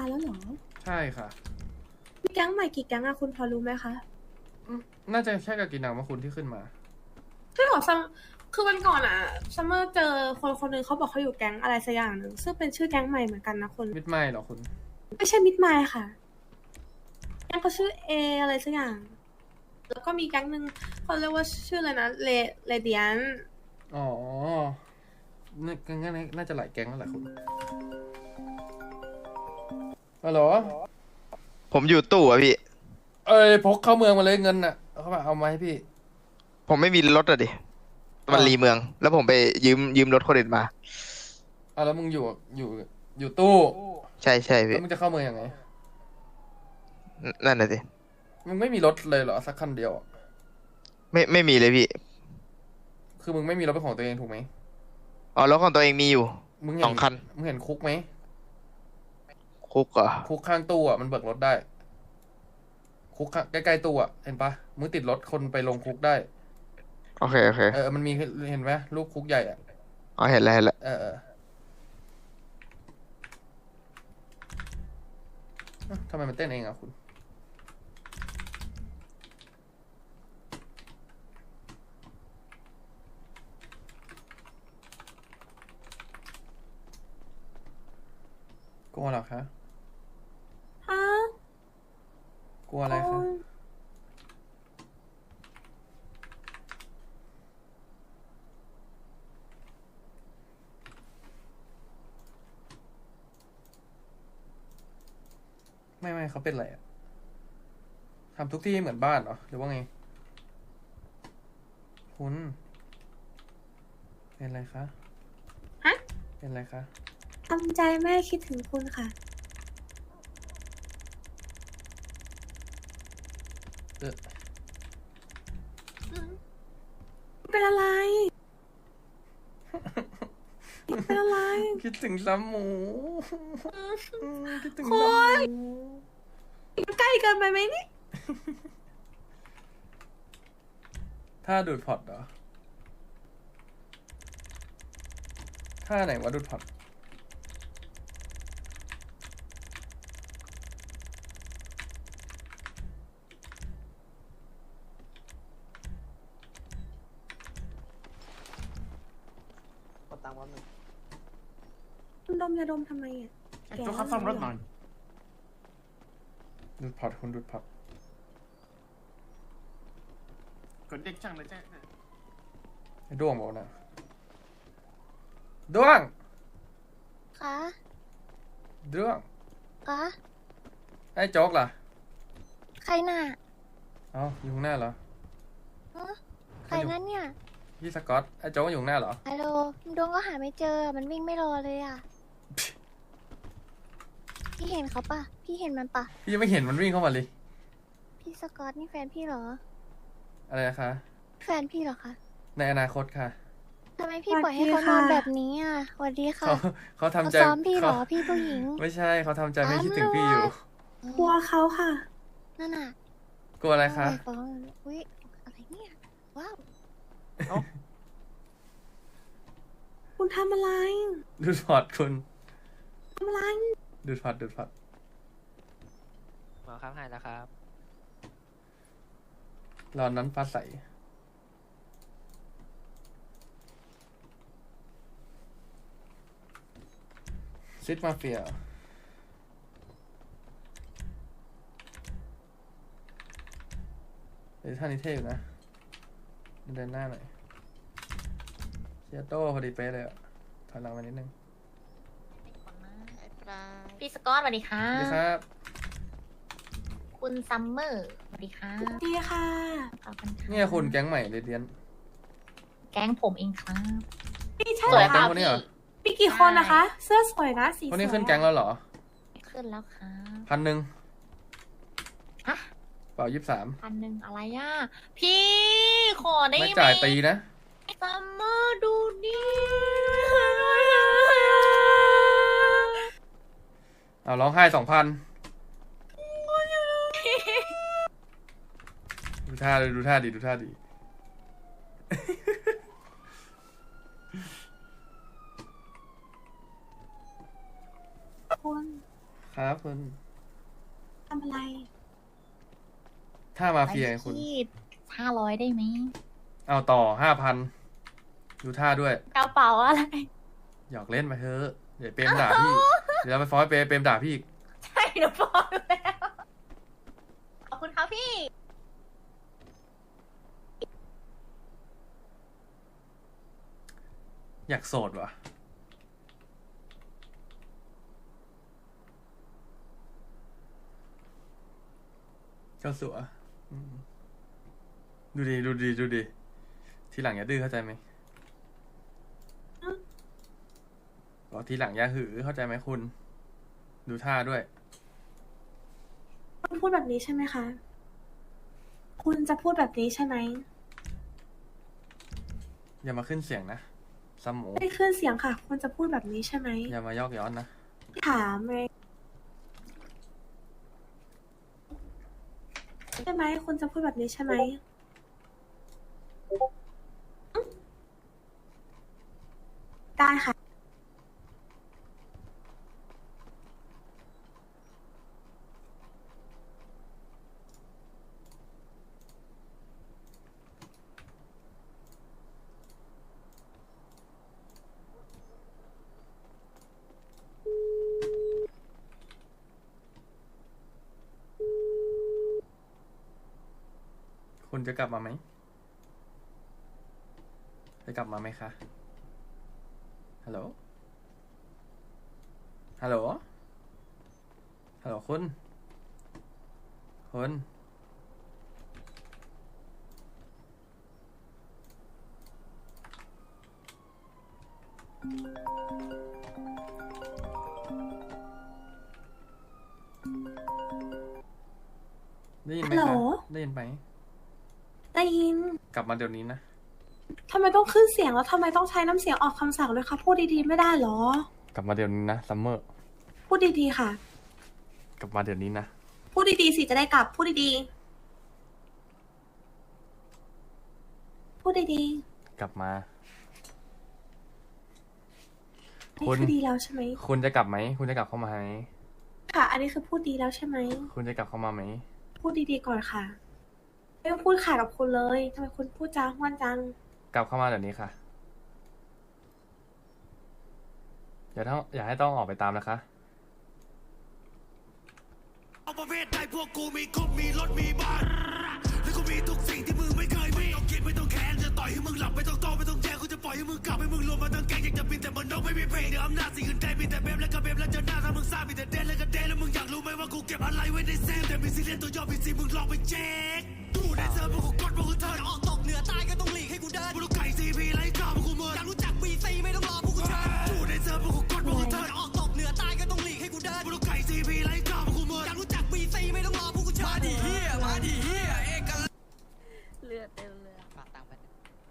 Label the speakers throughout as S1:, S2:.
S1: แล้วเหรอ
S2: ใช่ค่ะ
S1: มีแก๊งใหม่กี่แก๊งอะคุณพอรู้ไหมคะ
S2: น่าจะแค่กากินังมาคุณที่ขึ้นมา
S1: ใช่หรอซัมคือวันก่อนอะซัมเมอร์เจอคนคนหนึ่งเขาบอกเขาอยู่แก๊งอะไรสักอย่างหนึ่งซึ่งเป็นชื่อแก๊งใหม่เหมือนกันนะคุณ
S2: มิดไมล์เหรอคุณ
S1: ไม่ใช่มิดไมล์ค่ะแก๊งเขาชื่อเออะไรสักอย่างแล้วก็มีแก๊งหนึ่งเขาเรียกว่าชื่ออะไรนะเลเดียน
S2: อ๋องั้นน่าจะหลายแก๊งแล้วแหละคุณฮัลโหล
S3: ผมอยู่ตู้อะพี่
S2: เอ้ยพกเข้าเมืองมาเลยเงินน่ะเขามาเอามาให้พี่
S3: ผมไม่มีรถอะดิมันรีเมือง แล้วผมไปยืมรถคนอื่นมา
S2: แล้วมึงอยู่อยู่ตู้
S3: ใช่ใช่พี่
S2: แล้วมึงจะเข้าเมืองยังไง
S3: นั่นน่ะสิ
S2: มึงไม่มีรถเลยเหรอสักคันเดียวอะ
S3: ไม่มีเลยพี่
S2: คือมึงไม่มีรถเป็นของตัวเองถูกไหม
S3: อ๋อรถของตัวเองมีอยู่
S2: มึงเห็น
S3: 2 คัน
S2: มึงเห็นคุกไหม
S3: คุกเหรอ
S2: คุกข้างตู้อ่ะมันเบิกรถได้คุกใกล้ๆตู้อ่ะเห็นปะมึงติดรถคนไปลงคุกได้
S3: โอเคโอเค
S2: มันมีเห็นไหมลูกคุกใหญ่อ่ะ
S3: อ๋อเห็นแล้วเห็นแล้ว
S2: ทำไมมันเต้นเองอ่ะคุณกลัวเหรอคะ
S1: ฮะ
S2: กลัวอะไรคะไม่เขาเป็นอะไรอ่ะทำทุกที่เหมือนบ้านเหรอหรือว่าไงคุณเป็นอะไรคะ
S1: ฮะ
S2: เป็นอะไรคะ
S1: ทำใจแม่คิดถึงคุณค่ะเป็นอะไรเป็นอะไร
S2: คิดถึงซ้ำหมูคิดถึง
S1: คุ
S2: ซ้ำห
S1: ณ
S2: มู
S1: ใกล้เกินไปไหมนี่
S2: ถ้าดูดพอร์ตเหรอถ้าไหนวะดูดพอร์ต
S1: คุณดมยาดมทำไมอ่ะแก
S4: จุ๊กครับซ่อมรถหน่อย
S2: ดูดพอร์ตคุณดูดพอร์ต
S4: กดเรียกช่างเลยจ้า
S2: ไอ้ด้วงบอกนะด้วง
S5: คะ
S2: ด้วง
S5: คะ
S2: ไอ้โจ๊กล่ะ
S5: ใครน่ะ
S2: อยู่ข้างหน้าเหรอ
S5: ฮะใครนั่นเนี่ย
S2: พี่สกอตไอ้โจ๊กอยู่ข้างหน้าเหรอ
S5: ฮัลโหลดวงก็หาไม่เจอ มันวิ่งไม่รอเลยอ่ะ พี่เห็นเขาปะพี่เห็นมันปะ
S2: พี่ยังไม่เห็นมันวิ่งเข้ามาเลย
S5: พี่สกอตนี่แฟนพี่เหรอ
S2: อะไรนะคะ
S5: แฟนพี่เหรอคะ
S2: ในอนาคตค่ะ
S5: ทำไมพี่ปล่อยให้เขานอนแบบนี้อ่ะสวัสดีค่ะ
S2: เขาทำใจ
S5: ซ้อมพี่เหรอ พี่ผู้หญิง
S2: ไม่ใช่เขาทำใจไม่คิดถึงพี่อยู่
S1: กลัวเขาค่ะ
S5: นั่นน่ะ
S2: กลัวอะไรคะ
S5: ฟ้องอุ้ยอะไรเนี่ย ว้าว
S1: คุณทำอะไร
S2: ดูดพอร์ตคุณ
S1: ทำอะไร
S2: ดูดพอร์ตดูดพอร์ต
S6: หมอครับหายแล้วครับ
S2: รอนนั้นฟ้าใสซิดมาเฟียเดี๋ยวท่านี้เท่อยู่นะเดินหน้าหน่อยเชียโต้พอดีเป๊ะเลยอะถอยหลังมานิดนึง
S7: พี่สกอตสวัสดีค่ะ
S2: สวัสดีครับ
S7: คุณซัมเมอร์สวัสดีค่ะ
S1: ดีค่ะ
S7: ขอบคุณค่ะ
S2: เนี่ยคุณแก๊งใหม่เรเดียน
S7: แก๊งผมเองครับ
S1: นี่ใช่
S7: ส
S1: เหร
S7: วย
S1: อ
S7: ค
S1: คะ
S7: รับ
S2: คนนี้เหรอ
S1: มีกี่คนนะคะ เสื้อสวยนะ สีสวย
S2: คนนี้ขึ้นแก๊งแล้วเหรอ
S7: ขึ้นแล้วครับ
S2: 1,000
S7: ฮะ
S2: เปล่า23
S7: 1,000อะไรอ่ะ พี่ขอได้
S2: ไม่
S7: ไหม
S2: จ่ายตีนะ
S7: ซัมเมอร์ดูดิ
S2: เอาร้องไห้2,000ดูท่าเลยดูท่าดีดูท่าดี
S1: คุณ
S2: ครับคุณ
S1: ทำอะไร
S2: ถ้ามาเฟียไงคุณ
S7: ที่500ได้ไหม
S2: เอาต่อ5,000ดูท่าด้วย
S7: กระเป๋าอะไร
S2: หยอกเล่นไปเถอะเดี๋ยวเปรมด่าพี่ เดี๋ยวเราไปฟ้องเปรมด่าพี่อีก
S7: ใช่หนูบอกแล้ว ขอบคุณครับพี่
S2: อยากโสดว่ะ เจ้าสัวอืมดูดีดูดีดูดี ทีหลังอย่าดื้อเข้าใจไหมบอกทีหลังอย่าหือเข้าใจไหมคุณ ดูท่าด้วย
S1: คุณพูดแบบนี้ใช่ไหมคะ คุณจะพูดแบบนี้ใช่ไหม
S2: อย่ามาขึ้นเสียงนะซัมหมู
S1: ไม่ได้ขึ้นเสียงค่ะ คุณจะพูดแบบนี้ใช่ไหม
S2: อย่ามายอกย้อนนะ
S1: ถามไงใช่ไหม คุณจะพูดแบบนี้ใช่ไหม ได้ค่ะ
S2: คุณจะกลับมาไหม จะกลับมาไหมคะ ฮัลโหล ฮัลโหล ฮัลโหลคุณ คุณ ได้ยินไหม
S1: ฮัลโหล
S2: คะ ได้ยินไหม
S1: ได้ยิน
S2: กลับมาเดี๋ยวนี้นะ
S1: ทำไมต้องขึ้นเสียงแล้วทำไมต้องใช้น้ำเสียงออกคำสั่งด้วยคะพูดดีๆไม่ได้เหรอ
S2: กลับมาเดี๋ยวนี้นะซัมเมอร์
S1: พูดดีๆค่ะ
S2: กลับมาเดี๋ยวนี้นะ
S1: พูดดีๆสิจะได้กลับ พูดดีๆ พูดดี
S2: กลับมา
S1: ๆ
S2: คุ
S1: นี่
S2: ณ
S1: คือดีแล้วใช่ไหม
S2: คุณจะกลับไหม คุณจะกลับเข้ามาไหม
S1: ค่ะ อันนี้คือพูดดีแล้วใช่ไหม
S2: คุณจะกลับเข้ามาไหม
S1: พูดดีๆก่อนค่ะ ไม่ต้องพูดขาดกับคุณเลยทำไมคุณพูดจาห้วนจัง
S2: กลับเข้ามาเดี๋ยวนี้ค่ะ อย่าให้ต้องออกไปตามนะคะ
S8: เอาประเภทใดพวกกูมีครบมีรถมีบ้านแล้วก็มีทุกสิ่งที่มึงไม่เคยมีไม่ต้องคิดไม่ต้องแค้นจะต่อยให้มึงหลับไม่ต้องโตไม่ต้องแย่งกูจะปล่อยให้มึงกลับให้มึงรวมมาทั้งแก๊งอยากจะบินแต่มันนกไม่มีเพลงเดี๋ยวอำนาจสิ่งอื่นใดมีแต่เบมและก็เบมและเจอหน้าถ้ามึงซ่ามีแต่เดนและก็เดนแล้วมึงอยากรู้ไหมว่ากูเก็บอะไรไว้ในเซฟแต่มีซีเรียสตัวย่อมีซีมึงลองไปเช็คดูในเซิร์ฟพวกกูกดพวกกูเทิร์นออกตกเหนือใต้ก็ต้องหลีกให้กูเดินพวกกูไก่ซีพีไล่ข้าวพวกกูเมินอยากรู้จักบีซีไม่ต้องรอพวกกูเชิญดูในเซิร์ฟพวกกูกดพวกกูเทิร์นออกตกเหนือใต้ก็ต้องหลีกให้กูเดินพวกกูไก่ซีพีไล่ข้าวพวกกูเมินอยากรู้จักบีซีไม่ต้องรอพวกกูเชิญมาดิเฮียมาดิเฮียเอกลักษณ์
S5: เลือดเต็มเลย
S6: ฝากตังค์ไปหนึ่ง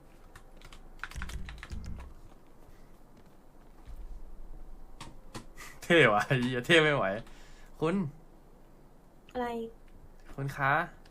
S2: เท่ว่ะเหี้ยเท่ไม่ไหว คุณ
S1: อะไร
S2: คุณคะ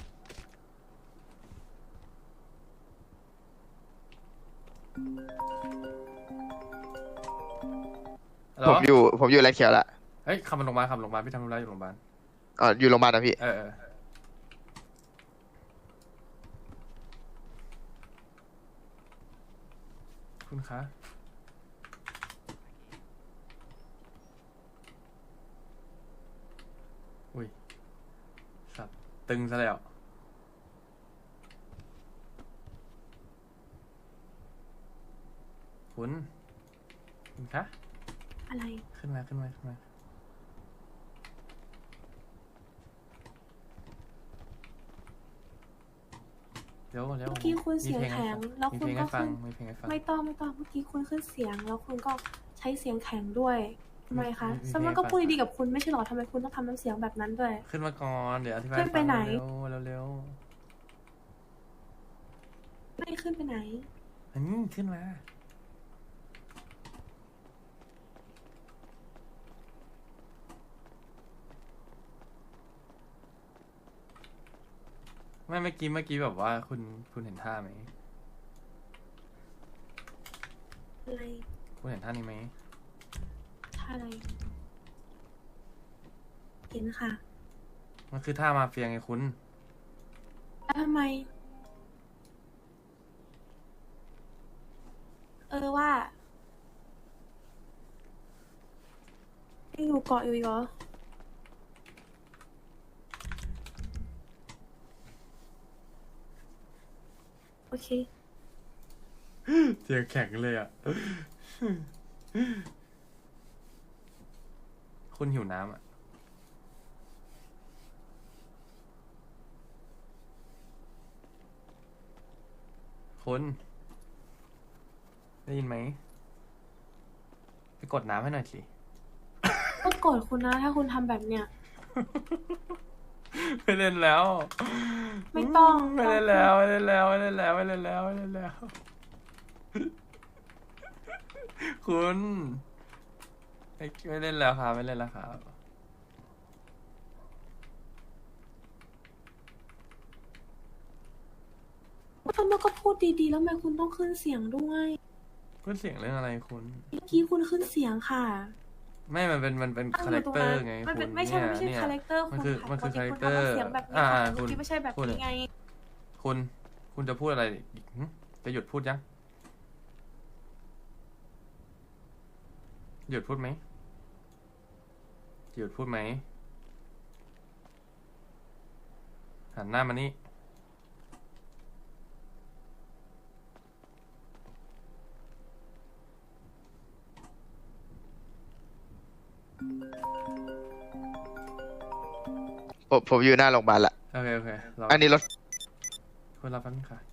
S2: ฮัลโหล
S3: ผมอยู่ไรเขียวละ
S2: เฮ้ยขับมาโรงพยาบาลขับโรงพยาบาลพี่ทำธุระอยู่โรงพยาบาล
S3: อ๋ออยู่โรงพยาบาลนะพี่
S2: เออ คุณคะ อุ้ย สัตว์ตึงซะแล้ว คุณคะ
S1: อะไร
S2: ขึ้นมา เดี๋ยว
S1: เมื่อกี้คุณเสียง
S2: มีพล
S1: แข็งแล้ว
S2: มี
S1: คุ
S2: เพ
S1: ณ
S2: ลง
S1: ก็
S2: ให้ฟัง
S1: ขึ้น
S2: มีเพลงให้ฟัง
S1: ไม่ต้องเมื่อกี้คุณขึ้นเสียง แล้วคุณก็ใช้เสียงแข็งด้วยทำไมคะ
S2: มี
S1: ซัมเมอร์
S2: เพลง
S1: ก็พูด
S2: ให้ฟัง
S1: ดีๆกับคุณไม่ใช่หรอทำไมคุณต้องทำน้ำเสียงแบบนั้นด้วย
S2: ขึ้นมาก่อน เดี๋ยวอธิบาย
S1: ขึ้นไปไหน
S2: เร็ว
S1: ไม่ขึ้นไปไหน
S2: อันนี้ขึ้นมา ไม่เมื่อกี้แบบว่าคุณเห็นท่าไหม
S1: อะไร
S2: คุณเห็นท่านี้ไหม
S1: ท่าอะไรเห็นค่ะ
S2: มันคือท่ามาเฟียไงคุณ
S1: แล้วทำไม ว่ายังอยู่เกาะอยู่อีกเหรอ โอเค
S2: เสียงแข็งเลยอ่ะ คุณหิวน้ำอ่ะ คุณ ได้ยินไหม ไปกดน้ำให้หน่อยสิ
S1: ก็โกรธคุณนะ ถ้าคุณทำแบบเนี้ย
S2: ไม่เล่นแล้ว
S1: ไม่ต้อง
S2: ไม่เล่นแล้ว ไม่เล่นแล้ว ไม่เล่นแล้ว ไม่เล่นแล้ว ไม่เล่นแล้ว คุณไม่เล่นแล้วครับ ไม่เล่นแล้วครับ
S1: ทำไมก็พูดดีๆ แล้วทำไมคุณต้องขึ้นเสียงด้วย
S2: คุณเสียงเรื่องอะไรคุณ
S1: เมื่อกี้คุณขึ้นเสียงค่ะ
S2: ไม่ มันเป็น
S1: ตั้ง
S2: คา
S1: อ
S2: แร
S1: ยู่
S2: ค
S1: ตรง
S2: เตอร์
S1: นั้น
S2: ไง
S1: มัน
S2: คุ
S1: เป็น
S2: ณ
S1: ไม่ใช่
S2: เนี่ย
S1: คาแรคเตอร์
S2: มัน
S1: คุณ
S2: คือ
S1: ค่ะ
S2: มันคือ
S1: ปกติ
S2: คาแรคเตอร์
S1: คุณทำเสียงแบบนี้
S2: อ่า
S1: ค่ะ
S2: คุ
S1: เมื่
S2: ณ
S1: อกี้ไม่ใช่แบบ
S2: พูด
S1: นี้ไง
S2: คุณจะพูดอะไรอีกหึจะหยุดพูดยัง หยุดพูดไหมหยุดพูดไหม หันหน้ามานี่
S3: ผมอยู่หน้าโรงพยาบาลละ
S2: โอเค โอเครอ
S3: อันนี้รถ
S2: คุณรับแป๊บนึงค่ะ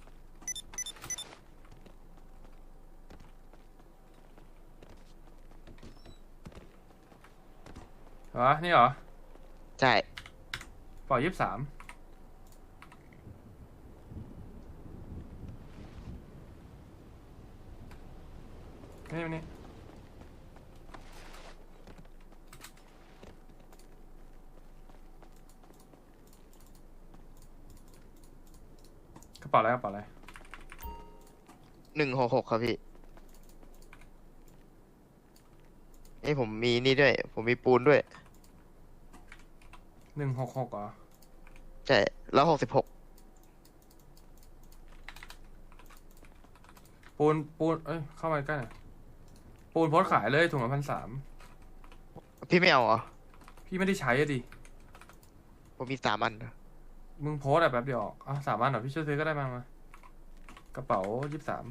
S2: เหรอ นี่เหรอ
S3: ใช่
S2: เป่า23นี่กระเป๋าอะไรกระเป๋าอะไร
S3: 166ครับพี่นี่ผมมีนี่ด้วย ผมมีปูนด้วย
S2: 166เหรอ
S3: ใช่แล้ว66
S2: ปูน เอ้ย เข้ามาใกล้หน่อยปูนโพสต์ขายเลยถุงละ1,300
S3: พี่ไม่เอาเหรอ
S2: พี่ไม่ได้ใช้อะดิ
S3: ผมมี3 อันนะ
S2: มึงโพสต์อะแป๊บเดียวออกสามอันเหรอ พี่ช่วยซื้อก็ได้มา กระเป๋า23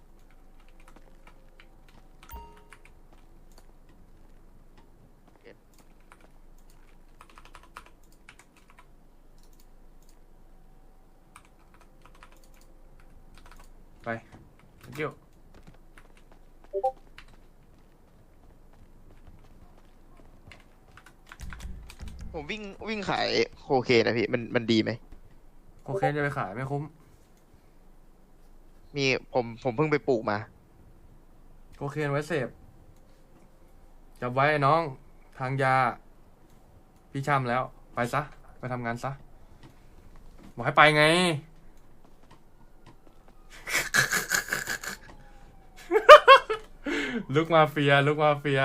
S2: ไป thank you
S3: ผมวิ่งขายโคเคนนะพี่มันดีไหม
S2: โคเคนจะไปขายไม่คุ้ม
S3: มีผมเพิ่งไปปลูกมา
S2: โคเคนไว้เสพจับไว้ไอ้น้อง ทางยา พี่ช่ำแล้ว ไปซะ ไปทำงานซะ บอกให้ไปไง ลุกมาเฟีย ลุกมาเฟีย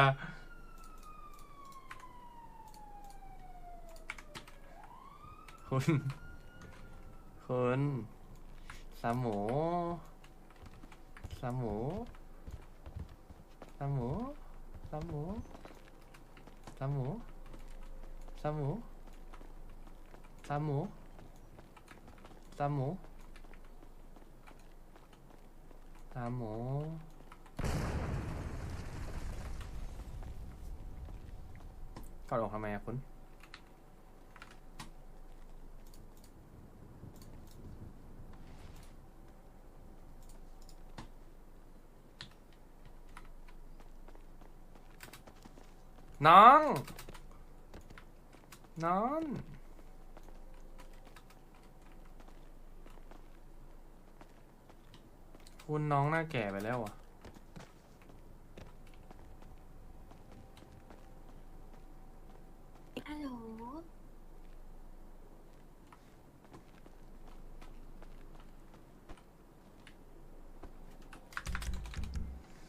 S2: คุณสามหมูสามหมูสามหมูสามหมูสามหมูสามหมูสามหมูสามหมูสามหมูกอดอกทำไมอะคุณน้อง น้อง คุณน้องหน้าแก่ไปแล้วอ่ะ
S1: ฮัลโหล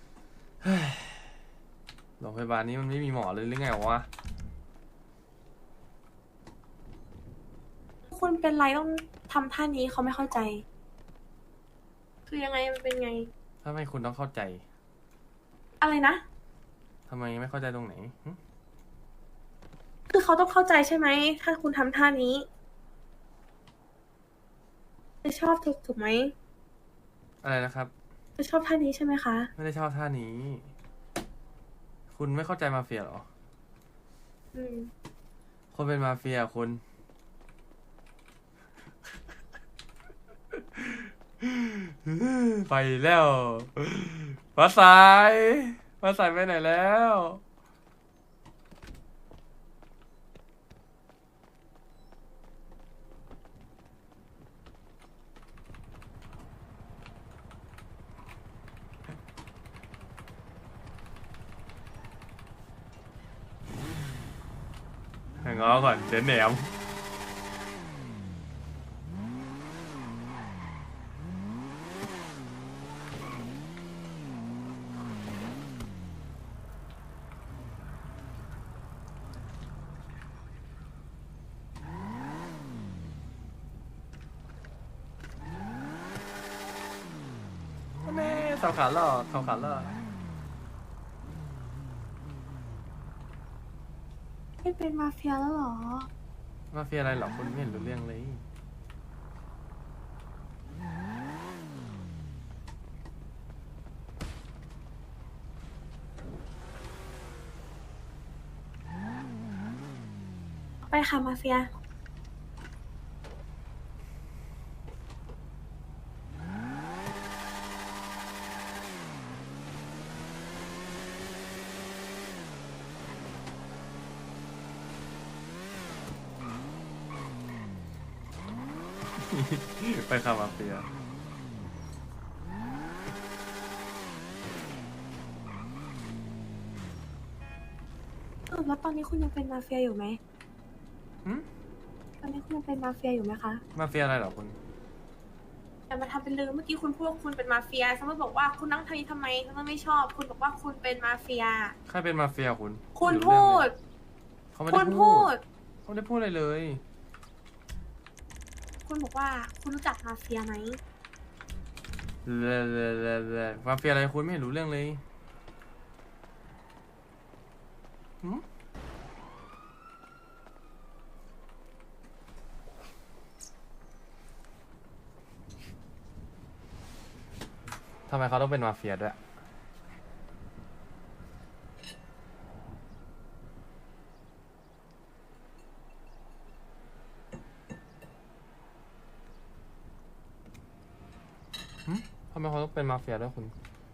S2: โรงพยาบาลนี้มันไม่มีหมอเลยหรือไงวะ
S1: คุณเป็นไรต้องทำท่านี้เขาไม่เข้าใจ คือยังไงมันเป็นไง
S2: ทำไมคุณต้องเข้าใจ
S1: อะไรนะ
S2: ทำไมไม่เข้าใจตรงไหนหึ
S1: คือเขาต้องเข้าใจใช่ไหม ถ้าคุณทำท่านี้จะชอบถูกไหม
S2: อะไรนะครับ
S1: จะชอบท่านี้ใช่ไหมคะ
S2: ไม่ได้ชอบท่านี้ คุณไม่เข้าใจมาเฟียเหรอ
S1: อืม
S2: คนเป็นมาเฟียคุณ ไปแล้วฟ้าใสฟ้าใสไปไหนแล้วง้อก่อนเจ๊แหนม แม่สาวขาหล่อสาวขาหล่อ
S1: ไม่เป็นมาเฟียแล้วเหรอ
S2: มาเฟียอะไรเหรอคุณไม่เห็นรู้เรื่องเลย
S1: ไปค่ะมาเฟีย
S2: ไปค่ะมาเฟีย
S1: แล้วตอนนี้คุณยังเป็นมาเฟียอยู่ไหม
S2: หืม
S1: ตอนนี้คุณยังเป็นมาเฟียอยู่ไหมคะ
S2: มาเฟียอะไรเหรอคุณ
S1: อย่ามาทำเป็นลืมเมื่อกี้คุณพูดว่าคุณเป็นมาเฟียซัมเมอร์บอกว่าคุณนั่งทำนี้ทำไมซัมเมอร์ไม่ชอบ คุณบอกว่าคุณเป็นมาเฟีย
S2: ใครเป็นมาเฟียคุณ
S1: คุณ
S2: ไม่รู้
S1: พู
S2: เรื่อง
S1: ด
S2: เลยเขาไม่
S1: คุ
S2: ได้
S1: ณ
S2: พู
S1: พู
S2: ด
S1: ด
S2: เขาไม่ได้พูดอะไรเลย
S1: คุณบอกว่าคุณรู้จักมาเฟียไหม
S2: มาเฟียอะไรคุณไม่เห็นรู้เรื่องเลยหืมทำไมเขาต้องเป็นมาเฟียด้วย ทำไมเขาต้องเป็นมาเฟียด้วยคุณ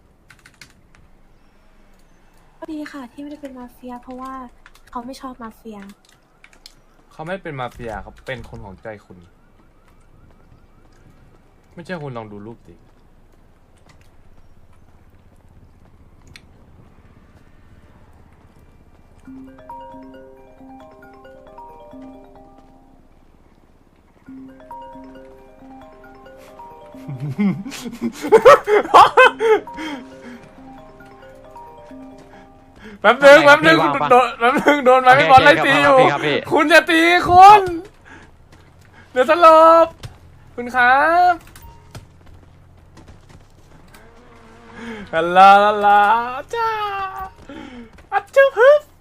S1: ก็ดีค่ะที่ไม่ได้เป็นมาเฟีย เพราะว่าเขาไม่ชอบมาเฟีย
S2: เขาไม่เป็นมาเฟียเขาเป็นคนของใจคุณ ไม่ใช่คุณลองดูรูปดิ แป๊บนึงโดนไม้ไม่บอลไล่ตีอยู่ คุณจะตีคุณ เดี๋ยวสลบคุณครับลาจ้าอัจฉริยะ